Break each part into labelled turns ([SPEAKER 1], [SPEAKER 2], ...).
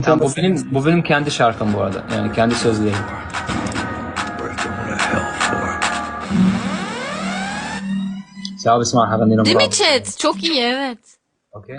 [SPEAKER 1] Yani bu benim kendi şarkım bu arada. Yani kendi sözlerim. Cevap اسمع هغني
[SPEAKER 2] Değil mi chat? Çok iyi, evet.
[SPEAKER 1] Okay.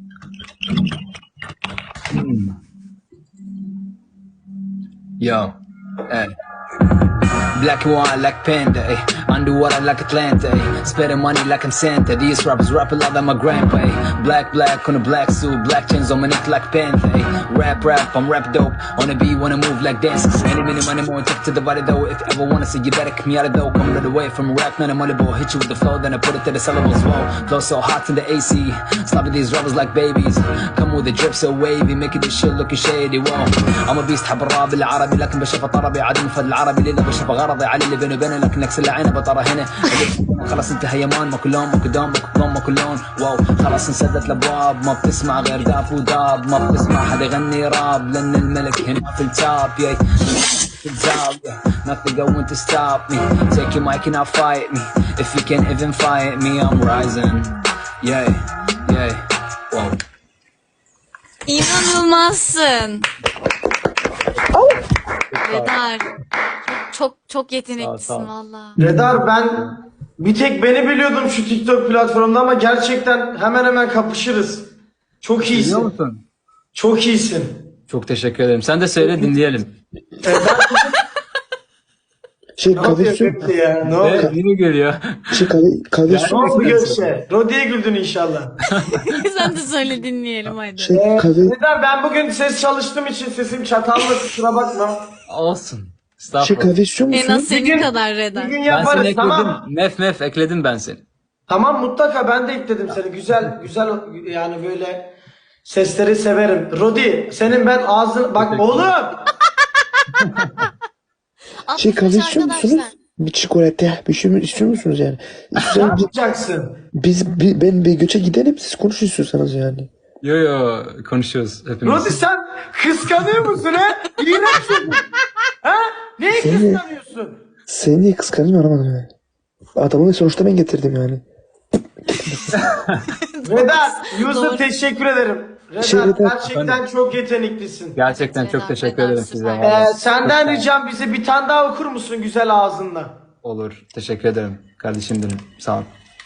[SPEAKER 1] Yo, hey. Black and white like Panda, ay. Underwater like Atlanta, ay. Spending money like I'm Santa. These rappers rap a lot like my grandpa, ay. Black on a black suit, black chains on my neck like Panther, ay. Rap, I'm rap dope. On the beat, wanna move like dancers. Any minute, money more, take to the body though. If you ever wanna see, you better come out of though. Come the way from rap, none of money ball. Hit you with the flow, then I put it to the syllables. Whoa, flow so hot in the AC. Slapping these rappers like babies. Come with the drip so wavy, making this shit looking shady. Whoa, I'm a beast, حب الراب العربي لكن بشوفه طربي عدم فد العربي ليلة بشوفه غرضي علي اللي بيني وبينه لكن اكسر عينه بطره هنا خلاص انت هيمان ما كلهم ما كلهم ما كلهم واو خلاص انسدت الابواب ما بتسمع غير داف وداب ما بتسمع حدا يغني راب لان الملك هنا في التاب ياي في الزاوية nothing going to stop me take your mic and I'll fight me if you can't even fight me I'm rising yay wow.
[SPEAKER 2] İnanılmazsın. Redar. Çok yeteneklisin
[SPEAKER 1] Sağ ol.
[SPEAKER 2] valla.
[SPEAKER 3] Redar, ben bir tek beni biliyordum şu TikTok platformunda ama gerçekten hemen hemen kapışırız. Çok
[SPEAKER 1] Biliyor
[SPEAKER 3] iyisin.
[SPEAKER 1] musun?
[SPEAKER 3] Çok iyisin.
[SPEAKER 1] Çok teşekkür ederim. Sen de söyle dinleyelim.
[SPEAKER 3] Ne yapıyor
[SPEAKER 1] Şey,
[SPEAKER 3] Gökçe ya? Ne oluyor?
[SPEAKER 1] Yine geliyor.
[SPEAKER 3] Ne oldu Gökçe? Rodi'ye güldün inşallah.
[SPEAKER 2] Sen de söyle dinleyelim hadi.
[SPEAKER 3] Redar, ben bugün ses çalıştığım için sesim çatallı, kusura bakma.
[SPEAKER 1] Olsun. Estağfurullah.
[SPEAKER 4] kahve istiyor
[SPEAKER 2] En az
[SPEAKER 4] musun?
[SPEAKER 2] senin kadar Redar.
[SPEAKER 3] Bir gün
[SPEAKER 1] Ben seni
[SPEAKER 3] yaparız,
[SPEAKER 1] ekledim.
[SPEAKER 3] tamam.
[SPEAKER 1] Mef ekledim ben seni.
[SPEAKER 3] Tamam, mutlaka ben de ekledim seni. Güzel yani böyle sesleri severim. Rodi, senin ben ağzın... Bak oğlum!
[SPEAKER 4] Kahve istiyor musunuz? Bir çikolata, bir şey istiyor musunuz yani?
[SPEAKER 3] Ne
[SPEAKER 4] İstiyorsanız
[SPEAKER 3] yapacaksın?
[SPEAKER 4] ben bir göçe gidelim, siz konuşun istiyorsanız yani.
[SPEAKER 1] Yo konuşuyoruz hepimiz.
[SPEAKER 3] Rodi, sen kıskanıyor musun ha? İğrenç çocuk. Ha? Neyi kıskanıyorsun?
[SPEAKER 4] Seni niye kıskanayım anlamadım yani. Adamı sonuçta ben getirdim yani.
[SPEAKER 3] Redar,
[SPEAKER 2] Doğru.
[SPEAKER 3] Yusuf teşekkür ederim. Redar,
[SPEAKER 4] Redar.
[SPEAKER 3] gerçekten çok yeteneklisin.
[SPEAKER 1] Gerçekten çok
[SPEAKER 2] Redar,
[SPEAKER 1] teşekkür
[SPEAKER 2] Redar,
[SPEAKER 1] ederim
[SPEAKER 2] süper.
[SPEAKER 1] sizden. vallahi.
[SPEAKER 3] Senden ricam bize bir tane daha okur musun güzel ağzınla?
[SPEAKER 1] Olur. Teşekkür ederim. Kardeşim benim. Sağ ol.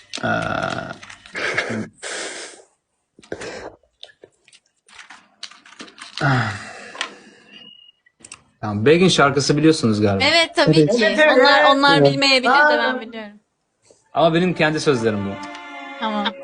[SPEAKER 1] Tamam. Begin şarkısı biliyorsunuz galiba.
[SPEAKER 2] Evet tabii
[SPEAKER 4] Evet.
[SPEAKER 2] ki.
[SPEAKER 3] Evet.
[SPEAKER 2] Onlar bilmeyebilir de ben biliyorum.
[SPEAKER 1] Ama benim kendi sözlerim bu.
[SPEAKER 2] Tamam.